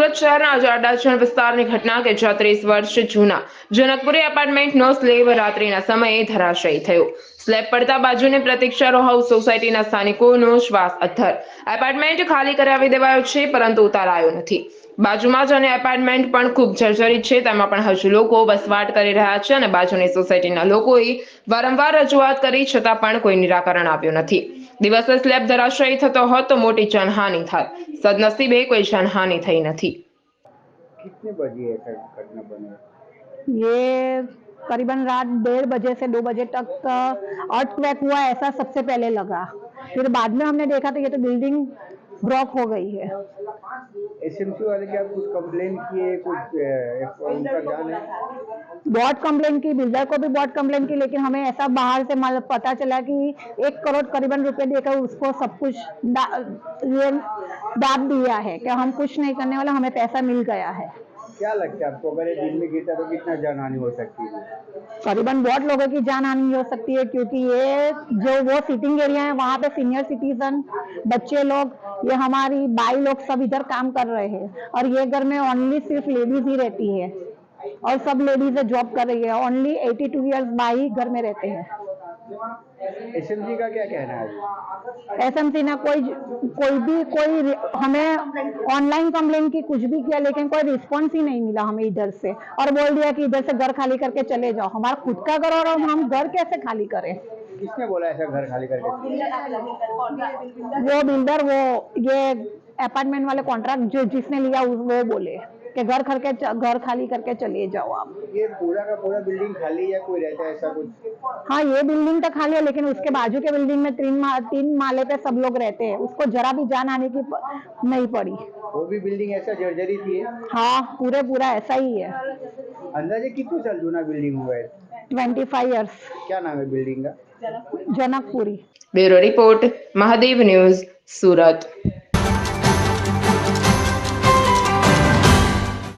સુરત શહેરના અડાજણ વિસ્તારની ઘટના કે જ્યાં 30 વર્ષ જૂના જનકપુરી એપાર્ટમેન્ટનો સ્લેબ રાત્રિના સમયે ધરાશાયી થયો। સ્લેબ પડતા બાજુની પ્રતીક્ષા રો હાઉસ સોસાયટીના સ્થાનિકોનો શ્વાસ અદ્ધર। એપાર્ટમેન્ટ ખાલી કરાવી દેવાયો છે, પરંતુ ઉતારાયો નથી। બાજુમાં જ અન્ય એપાર્ટમેન્ટ પણ ખૂબ જર્જરિત છે, તેમાં પણ હજુ લોકો વસવાટ કરી રહ્યા છે અને બાજુની સોસાયટીના લોકોએ વારંવાર રજૂઆત કરી છતાં પણ કોઈ નિરાકરણ આવ્યું નથી। દિવસે સ્લેબ ધરાશાયી થતો હોત તો મોટી જાનહાનિ થાત। सदनसीबे कोई जानहानि थई नहीं। कितने बजे ऐसा घटना बनी? ये करीबन रात 1:30 बजे से 2 बजे तक अर्थक्वेक हुआ, ऐसा सबसे पहले लगा। फिर बाद में हमने देखा तो ये तो बिल्डिंग ब्लॉक हो गई है। एसएमसी वाले क्या कुछ कंप्लेन किए, कुछ उनका ध्यान है? बहुत कंप्लेन की, बिल्डर को भी बहुत कंप्लेन की, लेकिन हमें ऐसा बाहर से पता चला कि 1 करोड़ करीबन रुपए देकर उसको सब कुछ ये दाब दिया है कि हम कुछ नहीं करने वाला, हमें पैसा मिल गया है। क्या लगता है आपको, अगर ये दिन में गिरता तो कितना जान हानि हो सकती है? करीबन बहुत लोगों की जान हानि हो सकती है, क्योंकि ये जो वो सिटिंग एरिया है वहाँ पे सीनियर सिटीजन, बच्चे लोग, ये हमारी बाई लोग सब इधर काम कर रहे हैं और ये घर में ओनली सिर्फ लेडीज ही रहती है और सब लेडीज जॉब कर रही है। ओनली 82 ईयर्स बाई घर में रहते हैं। एसएमसी का क्या कहना है? एसएमसी ने कोई हमें ऑनलाइन कंप्लेन की, कुछ भी किया, लेकिन कोई रिस्पॉन्स ही नहीं मिला हमें इधर से, और बोल दिया कि इधर से घर खाली करके चले जाओ। हमारा खुद का घर और हम घर कैसे खाली करें? किसने बोला ऐसा घर खाली करके? वो बिल्डर, वो ये अपार्टमेंट वाले कॉन्ट्रैक्ट जो जिसने लिया वो बोले कि घर खाली करके चले जाओ आप। ये पूरा का पूरा बिल्डिंग खाली है, कोई रहता है ऐसा कुछ? हाँ, ये बिल्डिंग तो खाली है, लेकिन उसके बाजू के बिल्डिंग में 3 माले पे सब लोग रहते हैं, उसको जरा भी जान आने की नहीं पड़ी। वो भी बिल्डिंग ऐसा जर्जरित ही है? हाँ, पूरा ऐसा ही है। अंदाजे कितने साल जूना बिल्डिंग हुआ है? 25 ईयर्स। क्या नाम है बिल्डिंग का? Janakpuri. Bureau report, Mahadev news, सूरत।